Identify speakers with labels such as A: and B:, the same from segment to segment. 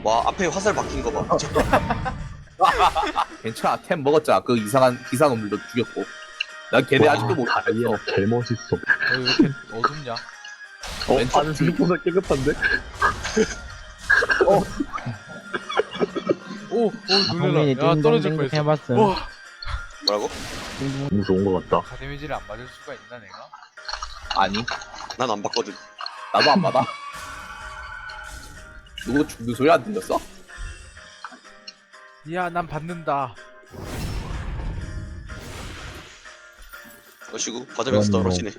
A: 와 앞에 화살 박힌 거 봐.
B: 괜찮아. 템 먹었잖아. 그 이상한 놈들도 죽였고. 난 걔네 아직도 못
C: 다이아
B: 봤어.
C: 개멋있어.
D: 왜 이렇게 어둡냐?
B: 왼쪽
C: 안은 생각보다 깨끗한데?
D: 오
E: 성민이
D: 놀래라. 야 떨어질
E: 띵동
D: 뻔했어.
E: 해봤음.
D: 와
A: 뭐라고?
C: 너무 좋은 것 같다.
D: 가 데미지를 안 맞을 수가 있나 내가?
B: 아니,
A: 난 안 봤거든.
B: 나도 안 받아. 누구 죽는 소리 안 들렸어?
D: 야 난 받는다.
A: 어시구 받으면서 떨어지네.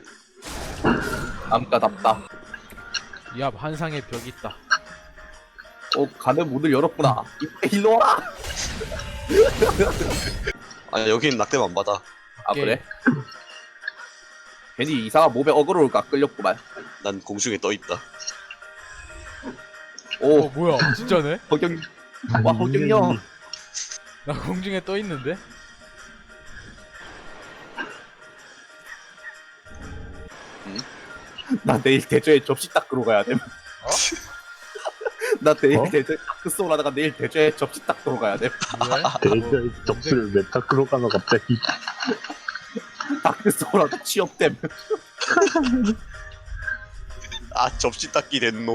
B: 남가답다.
D: 야 환상의 벽이 있다.
B: 가는 문을 열었구나. 일로 와라.
A: 아니 여긴 낙뎀 안 받아.
B: 아
D: 오케이.
B: 그래? 괜히 이상한 몸에 어그로가 끌렸구만.
A: 난 공중에 떠 있다.
B: 오,
D: 뭐야 진짜네?
B: 허경, 와 허경영.
D: 나 공중에 떠 있는데?
B: 나 내일 대저에 접시 닦으러 가야 돼. 나 내일
C: 어?
B: 대저에 다크 소울 하다가 내일 대저에 접시 닦으러 가야 돼.
D: 왜?
C: 데이터의 접수를 메타 끌어가나 갑자기.
B: 다크 소울 하다 취업됨.
A: 아 접시 닦기 됐노.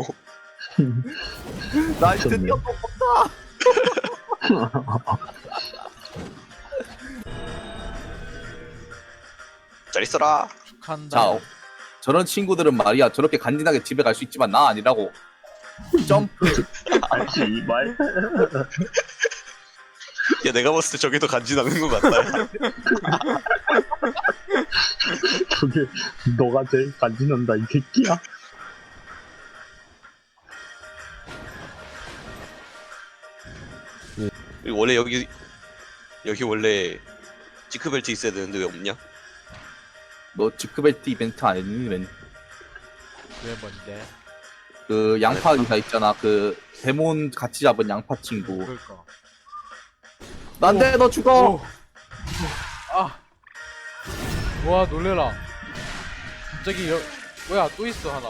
B: 나
C: 미쳤네.
B: 드디어 또 본다.
A: 잘 있어라.
D: 축한다.
B: 자, 저런 친구들은 말이야 저렇게 간지나게 집에 갈 수 있지만 나 아니라고. 점프.
C: 아씨 이말.
A: 야 내가 봤을 때 저게 더 간지나는 것 같다. 야.
C: 저게 너가 제일 간지난다 이 새끼야.
A: 그리고 원래 여기 원래 지크벨트 있어야 되는데 왜 없냐?
B: 너 지크벨트 이벤트 안 했니? 맨?
D: 왜 뭔데?
B: 그 양파 기사 있잖아. 그 데몬 같이 잡은 양파 친구.
D: 그럴까?
B: 난데 너 죽어.
D: 오. 아. 와 놀래라. 갑자기 뭐야 또 있어 하나.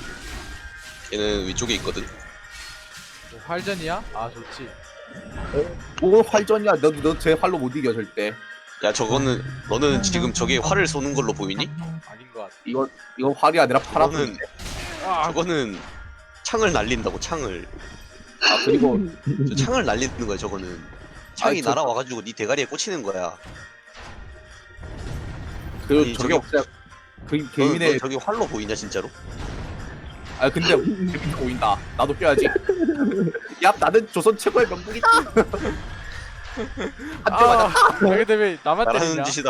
A: 얘는 위쪽에 있거든.
D: 뭐, 활전이야? 아 좋지.
B: 뭐 활전이야. 너 제 활로 못 이겨 절대.
A: 야 저거는 너는 지금 저게 활을 쏘는 걸로 보이니?
D: 아닌 것 같아.
B: 이거 활이 아니라 파란.
A: 저거는
D: 아
A: 저거는 창을 날린다고 창을.
B: 아 그리고
A: 저 창을 날리는 거야 저거는. 창이
B: 아니, 저-
A: 날아와가지고 네 대가리에 꽂히는 거야.
B: 그
A: 아니,
B: 저게
A: 저기-
B: 없어요. 그
A: 너는
B: 개인의
A: 저게 활로 보이냐 진짜로?
B: 아 근데 재밌게 보인다. 나도 껴야지. 야 나는 조선 최고의 명복이다. 한대 맞아.
D: 아, 근데 왜 나만 때리냐?
A: 잘하는 짓이다.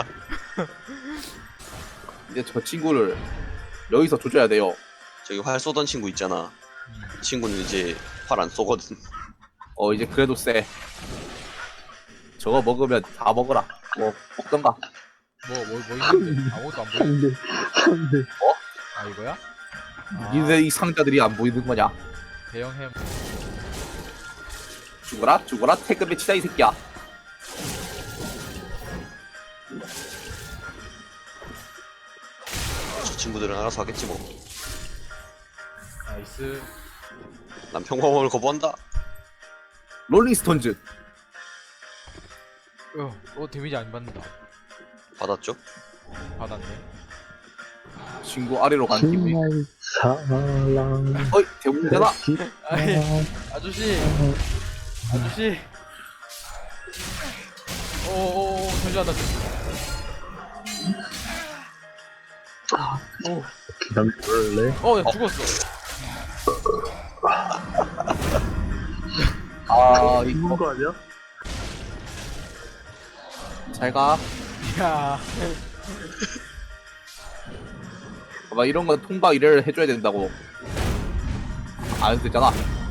B: 이제 저 친구를 여기서 조져야 돼요.
A: 저기 활 쏘던 친구 있잖아. 이 친구는 이제 활 안 쏘거든.
B: 이제 그래도 쎄. 저거 먹으면 다 먹어라. 뭐 먹던가.
D: 뭐 있는데 아무것도 안 보여.
C: 근데
D: 아 이거야? 아,
B: 니네 이 상자들이 안 보이는 거냐?
D: 대형 햄.
B: 죽어라 태급의 치다 이 새끼야.
A: 저 친구들은 알아서 하겠지 뭐.
D: 나이스.
A: 난 평범함을 거부한다.
B: 롤링스톤즈.
D: 데미지 안 받는다.
A: 받았죠?
D: 받았네.
B: 친구 아래로 간 기분이.
C: 정말 사랑.
B: 어이 대문제다.
D: 아이 아저씨. 오오오 잠시만 나.
C: 그냥 그럴래?
D: 나 죽었어.
B: 아
C: 죽은
B: 이거
C: 거 아니야?
B: 잘 가.
D: 야.
B: 막 이런 건 통과 일을 해줘야 된다고. 안 해도 되잖아.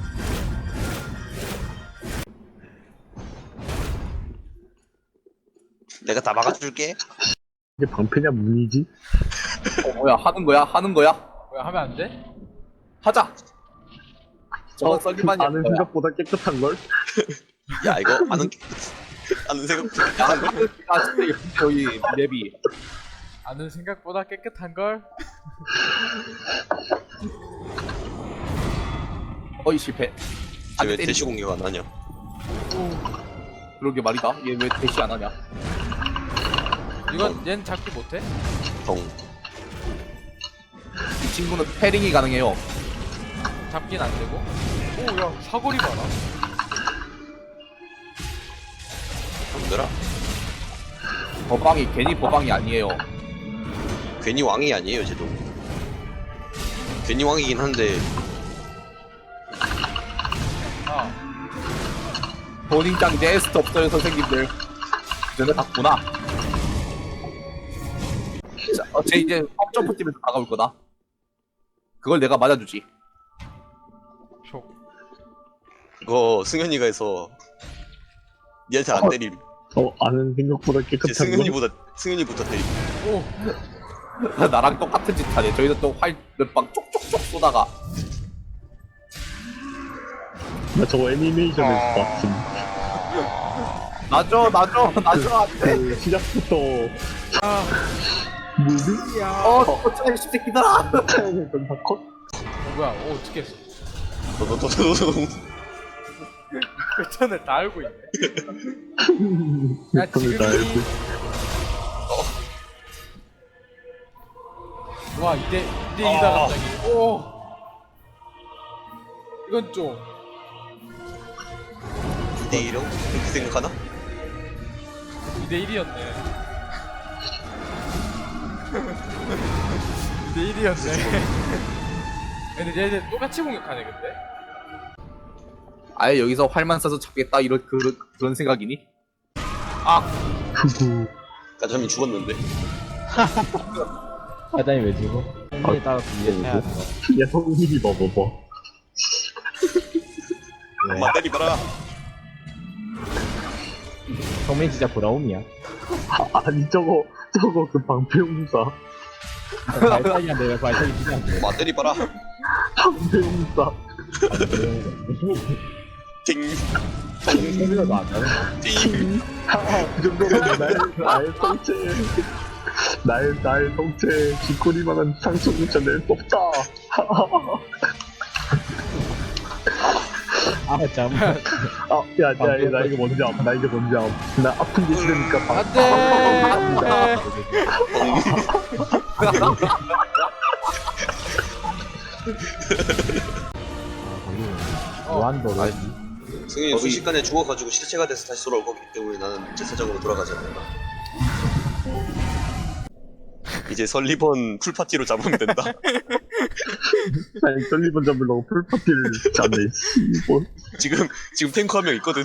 A: 내가 다 막아줄게.
C: 이게 방패냐 문이지?
B: 뭐야 하는 거야?
D: 뭐야 하면 안 돼?
B: 하자. 저건 썰기만이
C: 아는 생각보다 깨끗한 걸?
A: 야 이거 아는 생각.
B: 야 진짜 여기 맵이.
D: 아는 생각보다 깨끗한 걸.
B: 어이 실패.
A: 쟤 왜
B: 때리고.
A: 대시 공격 안 하냐?
B: 그러게 말이다. 얘 왜 대시 안 하냐?
D: 이건 얜 잡기 못해?
A: 덩.
B: 이 친구는 패링이 가능해요.
D: 잡긴 안 되고. 오야 사거리 봐라.
A: 덩들아.
B: 버방이 괜히 버방이 아니에요.
A: 괜히 왕이 아니에요, 쟤도. 괜히 왕이긴 한데
D: 아
B: 본인장 이제 에스트 없어요 선생님들. 너네 봤구나. 자, 쟤 이제 점프 뛰면서 다가올 거다. 그걸 내가 맞아주지.
D: 촉.
A: 그거 승현이가 해서 니한테 안 때림.
C: 아는 생각보다
A: 쟤
C: 깨끗한 거.
A: 승현이부터 때림.
D: 오
B: 나랑 똑같은 짓 하네. 저희도 또 활 몇 방 쪽쪽쪽 쏘다가.
C: 나 저거 애니메이션에서 봤음.
B: 놔줘 안돼.
C: 그 시작부터
D: 아,
C: 무비?
B: 어쩌네 십새끼들아.
C: 태양했던 사건?
D: 뭐야 어떻게 했어?
A: 도도도도도.
D: 패턴을 다 알고 있네. 야
C: 패턴을 다 알고
D: 지금이 와 2대2다 갑자기. 오 이건 좀
A: 2대1이라고? 그렇게 생각하나?
D: 2대1이었네. 2대1이었네. 근데 얘네 똑같이 공격하네 근데.
B: 아예 여기서 활만 쏴서 잡겠다 이런 그런 생각이니?
C: 후후.
A: 까자미 죽었는데.
E: 사장이 왜 죽어? 성민에 따라 분리해야 돼.
C: 야 성민이 봐봐봐.
A: 엄마 때리봐라.
E: 성민이 진짜 브라움이야.
C: 아니 저거 그 방패용사.
E: 발사기가 내가 발사기 필요한데.
A: 엄마 때리봐라.
C: 방패용사.
A: ting.
E: 성민이도 안 나는
A: ting.
C: 그 정도면 나의 성체 나의 성체 쥐꼬리만한 상처조차 낼 수 없다.
E: 아, 참.
C: 야, 나 이거 뭔지 암. 나 아픈 게 싫으니까
D: 안돼.
E: 무한도로.
A: 승현이 순식간에 죽어가지고 실체가 돼서 다시 돌아올 거기 때문에 나는 제사장으로 돌아가지 않는다. 이제 설리번 풀파티로 잡으면 된다.
C: 아니 썰리번 잡으려고 풀파티를 짜네. 뭐
A: 지금 탱커 한 명 있거든.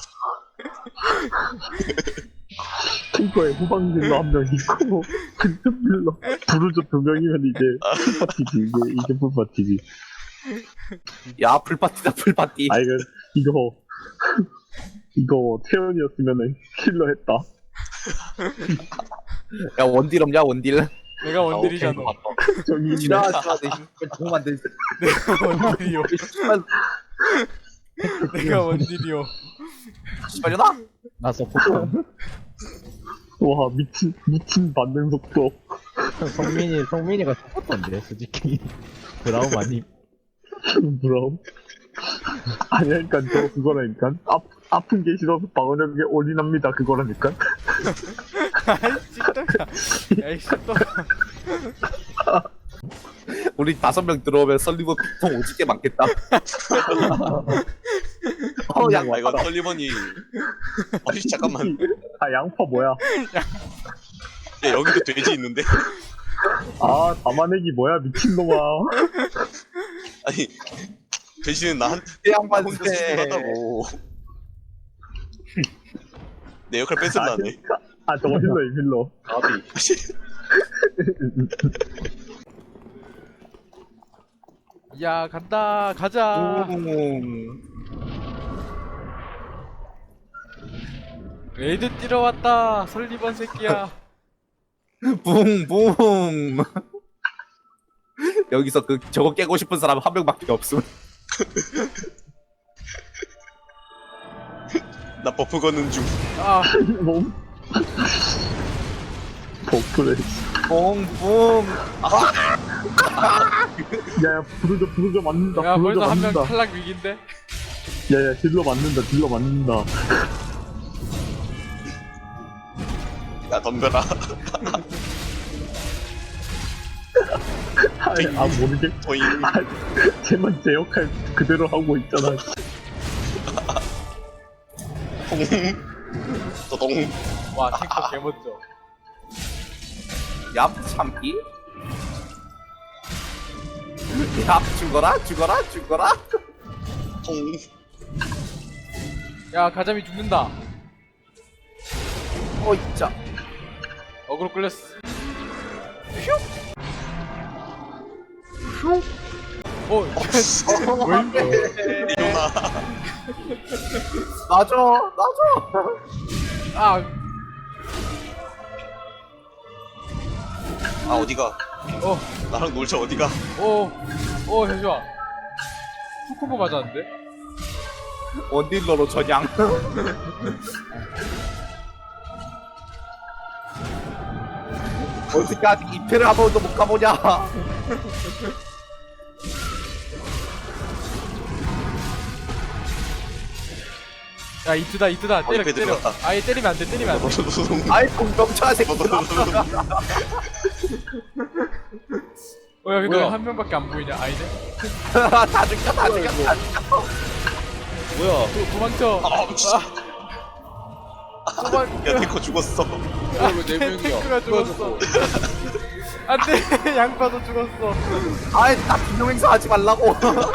C: 탱커에 후방딜러 한 명 있고 근접딜러 부르저 2명이면 이제 풀파티지. 이게 풀파티지.
B: 야 풀파티다 풀파티.
C: 아 이거 태연이었으면은 킬러 했다.
B: 야 원딜 없냐 원딜?
D: 내가 원딜이잖아.
C: 저기 있네.
B: 지나가지마 대신 공 만들.
D: 내가 원딜이요. 내가 원딜이요.
B: 빨려나?
E: 나 서포트.
C: 와 미친 반응 속도.
E: 성민이가 서포트인데, 솔직히. 브라움 아니?
C: 브라움. 아니야, 그니까 저 그거라니까. 아픈 게 싫어서 방어력에 올인합니다. 그거라니까.
D: 아이 ጭ떡아. 야이 ጭ떡아.
B: 우리 5명 들어오면 설리버 피통 오지게 많겠다. 야
A: 아 이거 설리번이. 아니 잠깐만.
C: 아 양파 뭐야?
A: 야 여기도 돼지 있는데.
C: 아 담아내기 뭐야 미친놈아.
A: 아니 돼지는 나
B: 양반
A: 혼자 수술하다고. 내 역할 뺏을라네.
C: 아 저거 힐러 이 힐러.
D: 야 간다 가자. 레이드 뛰러 왔다. 설리번 새끼야.
B: 붕붕. 여기서 저거 깨고 싶은 사람 한 명밖에 없음.
A: 나 버프 거는 중.
D: 아
C: 몸. 버프래.
B: 붕붕.
C: 야야 부르져 맞는다.
D: 야
C: 부르져
D: 벌써 한 명
C: 맞는다.
D: 탈락 위기인데.
C: 야야 딜러 맞는다 딜러 맞는다.
A: 야 덤벼라.
C: 아 모르겠.
A: 보잉.
C: 아 쟤만 제 역할 그대로 하고 있잖아.
A: 통. 도동.
D: 와 탱커 개멋져.
B: 얍 참기. 얍 죽어라 죽어라 죽어라.
A: 통.
D: 야 가자미 죽는다.
B: 있자.
D: 어그로 끌렸어. 어,
A: 리오나.
B: 놔줘.
D: 아,
A: 아 어디가?
D: 어,
A: 나랑 놀자 어디가?
D: 잠시만. 풀콤보 맞았는데?
B: 원딜러로 전향. 어떻게 아직 2패를 한 번도 못 가보냐.
D: 야, 이트다. 때려.
A: 옆에 들어갔다.
D: 아예 때리면 안 돼.
A: 도동.
B: 아이 공병차 새끼들아.
D: 야, 근데
C: 뭐야?
D: 왜 한 명밖에 안 보이냐? 아니네.
B: 다 죽였다.
C: 뭐야?
D: 도망쳐.
A: 아 미친.
D: 도망.
A: 야 탱커 죽었어.
C: 왜네 명이야?
D: 탱크가 죽었어. 안돼, 양파도 죽었어.
B: 아이 나 비명 행사 하지 말라고.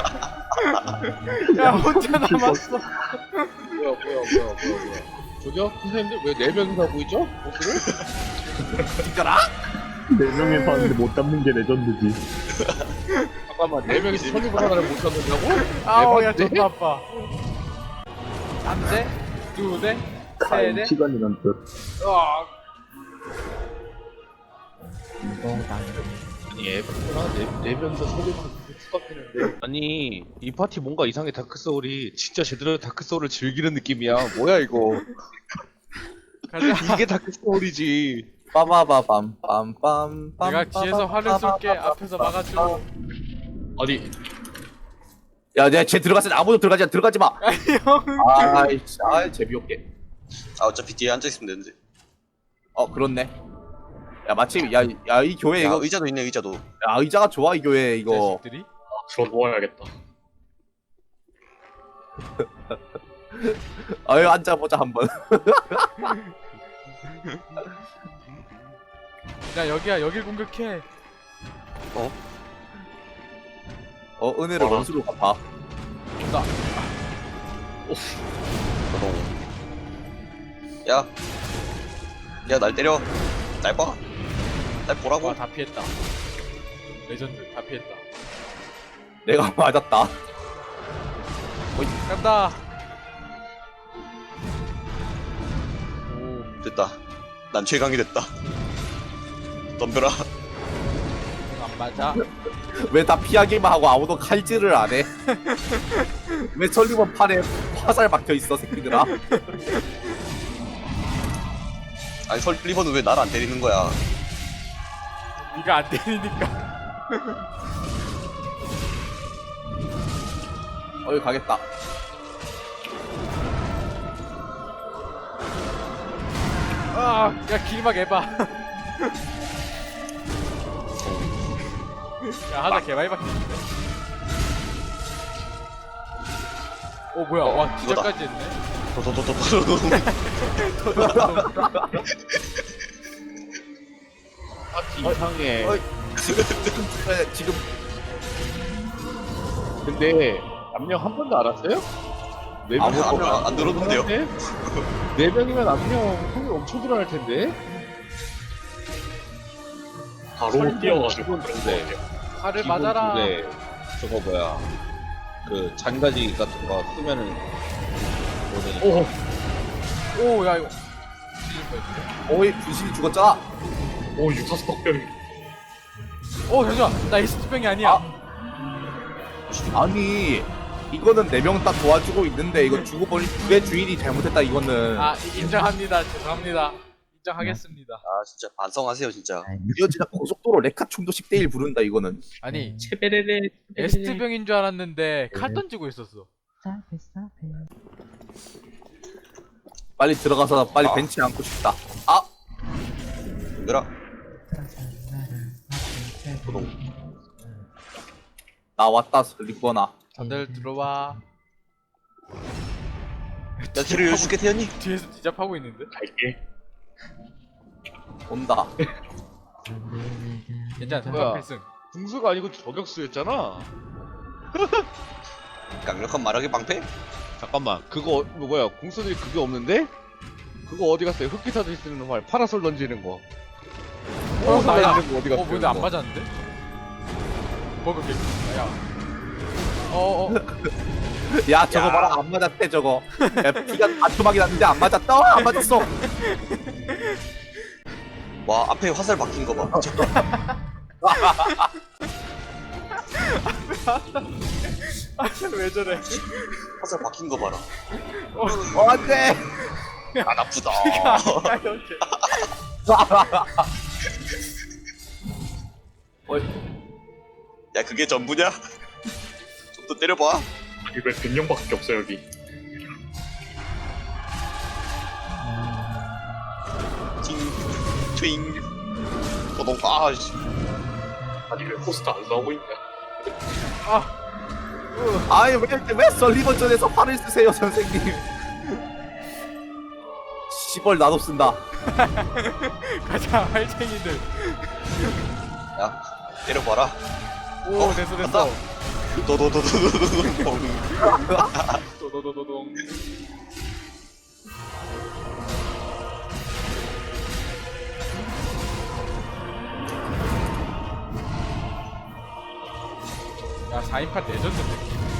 D: 야, 혼자 남았어.
C: 뭐야? 저기요? 선생님들 왜 네 명이서 하고 있죠? 보스를?
B: 죽여라.
C: 네 명이서 하는데 못 잡는 게 레전드지. 잠깐만 네 명이서 선입을 하나를 못 잡는다고?
D: 아우, 야,
C: 네?
D: 존나 아파. 한 대, 두 대, 세 대.
C: 시간이란 뜻.
D: 으악.
F: 아니 에바구나 네 명이서 소리만 추각되는데 아니 이 파티 뭔가 이상해. 다크소울이 진짜 제대로 다크소울을 즐기는 느낌이야. 뭐야 이거.
D: 가자.
F: 이게 다크소울이지.
B: 빠바바밤 빰빰.
D: 내가 뒤에서 활을 쏠게. 앞에서 막아줘.
F: 아니
B: 야, 내가 쟤 들어갔을 때 아무도 들어가지 마.
D: 형.
B: 아이씨, 재미없게.
A: 아 어차피 뒤에 앉아 있으면 되는데.
B: 그렇네. 야, 마침 이 교회
A: 야
B: 이거
A: 의자도 있네 의자도.
B: 야, 의자가 좋아 이 교회 이거.
D: 자식들이.
F: 들어 누워야겠다.
B: 아유, 앉아보자 한번.
D: 야, 여기야. 여길 공격해.
B: 은혜를 원수로 갚아.
D: 온다.
A: 도동. 야. 야 날 때려. 날 봐. 날 보라고.
D: 와, 다 피했다. 레전드 다 피했다.
B: 내가 맞았다.
D: 간다.
A: 됐다. 난 최강이 됐다. 덤벼라.
D: 안 맞아.
B: 왜 다 피하기만 하고 아무도 칼질을 안 해? 왜 설리번 팔에 화살 박혀 있어 새끼들아?
A: 아니 설리번은 왜 날 안 때리는 거야?
D: 네가 안 때리니까.
B: 여기 가겠다.
D: 야, 길막 해봐. 야, 하나 개많이 박혔는데. 뭐야? 와, 기절까지 했네.
A: 도도도도도도.
F: 파티 이상해.
B: 지금
F: 근데 압력 한 번도 안 왔어요? 네
A: 아무
F: 명
A: 안 들었는데요.
F: 네 명이면 압력 확률 엄청 들어갈 텐데.
C: 바로 뛰어가지고.
F: 그런데
D: 팔을 맞아라.
F: 네 저거 뭐야 그 잔가지 같은 거 쓰면은 뭐냐.
D: 오, 야, 이거.
B: 어이 분신이 죽었잖아.
C: 오 육사스 덕병이.
D: 잠시만. 나 에이스트병이 아니야.
B: 아니 이거는 4명 딱 도와주고 있는데 이거 죽어버린 두의 주인이 잘못했다 이거는.
D: 인정합니다. 죄송합니다. 인정하겠습니다.
A: 아 진짜 반성하세요 진짜.
B: 이거 진짜 고속도로 레카충도 10대1 부른다 이거는.
D: 아니,
F: 체베레레
D: 에스트병인 줄 알았는데 칼 던지고 있었어.
B: 빨리 들어가서 빨리
A: 아.
B: 벤치에 앉고 싶다. 아,
A: 얘들아. 도동.
B: 나 왔다, 리코나.
D: 다들 들어와.
A: 야, 뒤를 열어줄게, 태연이.
D: 뒤에서 디잡하고 있는데?
C: 갈게.
B: 온다.
D: 괜찮아,
F: 뭐야?
D: 대박 필승.
F: 궁수가 아니고 저격수였잖아.
A: 강력한 마력의 방패?
F: 잠깐만, 그거 뭐야? 궁수들이 그게 없는데? 그거 어디 갔어요? 흑기사들이 쓰는 활, 파라솔 던지는 거. 파라솔
D: 나야.
F: 던지는 거 어디 갔어요?
D: 근데 안
F: 그거?
D: 맞았는데? 먹을게. 야.
B: 야, 저거
A: 야.
B: 봐라, 안 맞았대, 저거. 야, 피가 반토막이 났는데 안 맞았다? 안 맞았어.
A: 와, 앞에 화살 박힌 거 봐.
D: 왜 저래?
A: 화살 박힌 거 봐라.
B: 안 돼.
A: 안 아프다. 야, 그게 전부냐? 좀 더 때려봐.
C: 이거 100명밖에 없어 여기.
A: 팅, 트윙. 도동, 아, 씨.
C: 아니 왜 포스터 안 싸우고 있냐?
B: 아니, 왜 설리번전에서 팔을 쓰세요, 선생님? 시벌 나도 쓴다.
D: 가자, 할쟁이들.
A: 야, 때려봐라.
D: 오, 됐어, 됐어.
A: 도도도도도도동.
D: 도도도도동. 야, 4인판 레전드인데.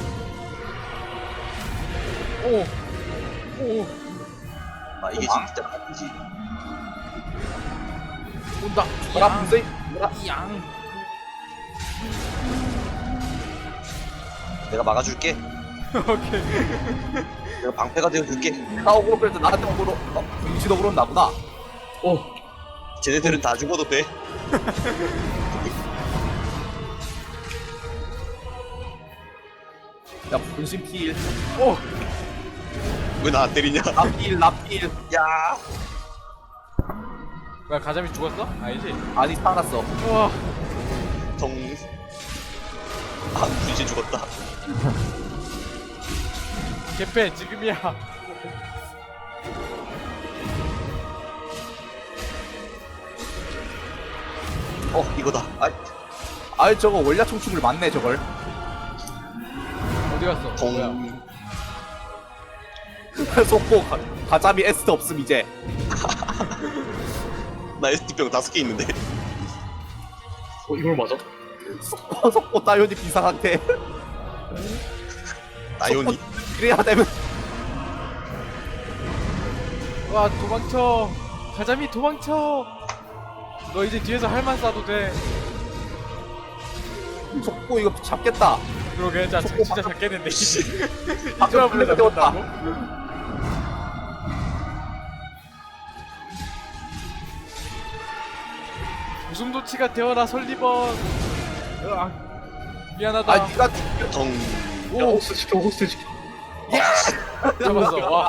D: 오,
A: 아, 이게 진짜 바쁘지.
D: 온다.
B: 뭐라, 분쇄.
D: 양.
A: 내가 막아줄게.
D: 오케이.
A: 내가 방패가 되어줄게.
B: 나 억울로 그래도 나한테 억울로. 분신 억울로 나구나.
A: 쟤네들은 다 죽어도 돼.
B: 야, 분신 필.
D: 오,
A: 왜 나 안 때리냐?
B: 나필.
A: 야,
D: 뭐야, 가자미 죽었어? 아니지?
B: 아니, 살았어.
D: 우와.
A: 정. 아, 분신 죽었다.
D: 개패, 지금이야.
A: 이거다. 아,
B: 아이, 저거 원래 총축을 맞네, 저걸.
D: 어디 갔어? 뭐야?
A: 동.
B: 속보, 가자미 에스트 없음, 이제.
A: 나 ST병 5개 있는데.
C: 이걸 맞아?
B: 속보 따요니 비상한테.
A: 나연이.
B: 그래야 되면.
D: 와, 도망쳐. 가자미 도망쳐. 너 이제 뒤에서 할만 쏴도 돼.
B: 속보 이거 잡겠다.
D: 그러게, 자,
B: 속보
D: 진짜 잡겠는데.
B: 방금
D: 이쪽으로
B: 플래그 떼웠다.
D: 잡는다고? 웃음도치가 되어라, 설리번. 으악. 미안하다.
B: 아, 니가
A: 정.
C: 야 호스트 지켜 호스트 지켜.
D: 잡았어. 와.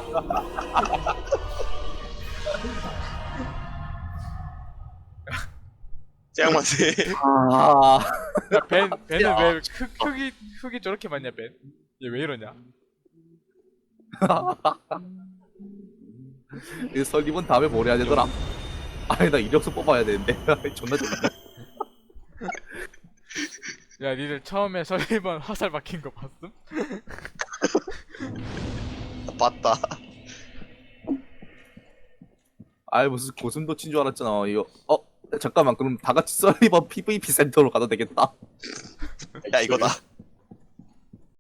A: 짱만세.
B: 아,
D: 야, 벤은 왜 흙이 저렇게 많냐, 벤? 얘 왜 이러냐?
B: 이 설립은 다음에 뭘 해야 되더라? 아니, 나 이력서 뽑아야 되는데. 존나 좋네.
D: 야, 니들 처음에 설리번 화살 박힌 거 봤음?
A: 봤다.
B: 아이, 무슨 고슴도치인 줄 알았잖아. 이거. 잠깐만, 그럼 다 같이 설리번 PVP 센터로 가도 되겠다.
A: 야, 이거다.